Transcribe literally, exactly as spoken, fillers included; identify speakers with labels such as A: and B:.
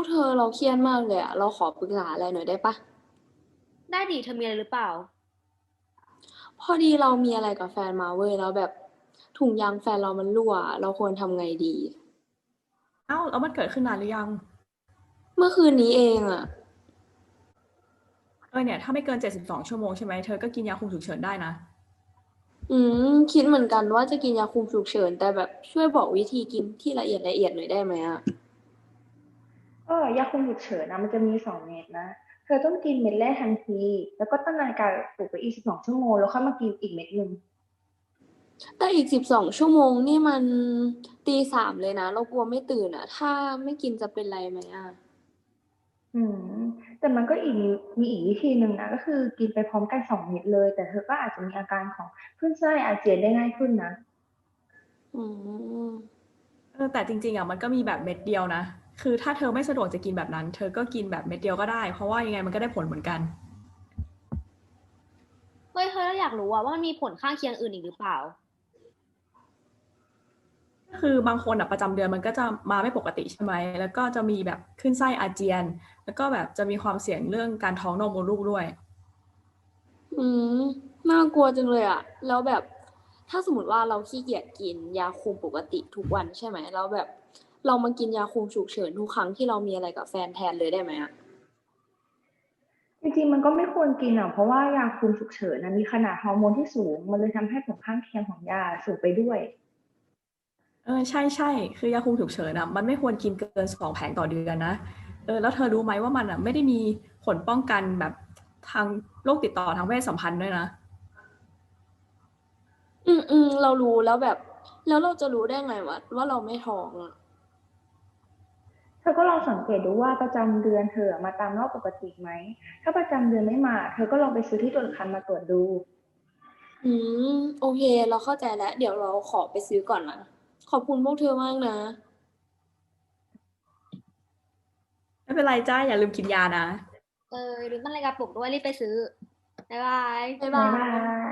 A: กเธอเราเครียดมากเลยอะเราขอปรึกษาอะไรหน่อยได้ปะ
B: ได้ดิเธอมีอะไรหรือเปล่า
A: พอดีเรามีอะไรกับแฟนมาเว้ยแล้วแบบถุงยางแฟนเรามันรั่วเราควรทำไงดี
C: เอ้าแล้วมันเกิดขึ้นนานหรือยัง
A: เมื่อคืนนี้เองอะ
C: เออเนี่ยถ้าไม่เกินเจ็ดสิบสองชั่วโมงใช่ไหมเธอก็กินยาคุมฉุกเฉินได้นะ
A: อืมคิดเหมือนกันว่าจะกินยาคุมฉุกเฉินแต่แบบช่วยบอกวิธีกินที่ละเอียดละเอียดหน่อยได้ไหมอะ
D: ก็ยาคุมฉุกเฉินนะมันจะมีสองเม็ดนะเธอต้องกินเม็ดแรกทันทีแล้วก็ตั้งนาฬิกาปลุกไปอีกสิบสองชั่วโมงแล้วค่อยมากินอีกเม็ดหนึ่ง
A: แต่อีกสิบสองชั่วโมงนี่มันตีสามเลยนะเรากลัวไม่ตื่นอะถ้าไม่กินจะเป็นไรไหมอะ
D: อืมแต่มันก็อีกมีมีอีกวิธีหนึ่งนะก็คือกินไปพร้อมกันสองเม็ดเลยแต่เธอก็อาจจะมีอาการของคลื่นไส้อาเจียนได้ง่ายขึ้นนะ
A: อืม
C: เออแต่จริงๆอ่ะมันก็มีแบบเม็ดเดียวนะคือถ้าเธอไม่สะดวกจะกินแบบนั้นเธอก็กินแบบเม็ดเดียวก็ได้เพราะว่ายังไงมันก็ได้ผลเหมือนกัน
B: เฮ้ยเธอเราอยากรู้ว่าว่ามันมีผลข้างเคียงอื่นอีกหรือเปล่า
C: ก็คือบางคนอ่ะประจำเดือนมันก็จะมาไม่ปกติใช่ไหมแล้วก็จะมีแบบขึ้นไส้อาเจียนแล้วก็แบบจะมีความเสี่ยงเรื่องการท้องนมมดลูกด้วย
A: อืมน่ากลัวจังเลยอะแล้วแบบถ้าสมมติว่าเราขี้เกียจกินยาคุมปกติทุกวันใช่ไหมแล้วแบบเรามากินยาคุมฉุกเฉินทุกครั้งที่เรามีอะไรกับแฟนแทนเลยได้ไหมอะ
D: จริงๆมันก็ไม่ควรกินอ่ะเพราะว่ายาคุมฉุกเฉินนะมีขนาดฮอร์โมนที่สูงมันเลยทำให้ผลข้างเคียงของยาสูงไปด้วย
C: เออใช่ใช่คือยาคุมฉุกเฉินอ่ะมันไม่ควรกินเกินสองแผงต่อเดือนนะเออแล้วเธอรู้ไหมว่ามันอ่ะไม่ได้มีผลป้องกันแบบทางโรคติดต่อทางเพศสัมพันธ์ด้วยนะ
A: อืมอืมเรารู้แล้วแบบแล้วเราจะรู้ได้ไงวะว่าเราไม่ท้องอะ
D: เธอก็ลองสังเกตดูว่าประจำเดือนเธอมาตามรอบปกติไหม ถ้าประจำเดือนไม่มาเธอก็ลองไปซื้อที่ตรวจคันมาตรวจดู
A: อืมโอเคเราเข้าใจแล้วเดี๋ยวเราขอไปซื้อก่อนนะขอบคุณพวกเธอมากนะ
C: ไม่เป็นไรจ้าอย่าลืมกินยานะ
B: เออลืมตั้งนาฬิกาปลุกด้วยรีบไปซื้อบ๊ายบาย
A: บ๊ายบา
D: บ๊ายบา
A: ย
D: ย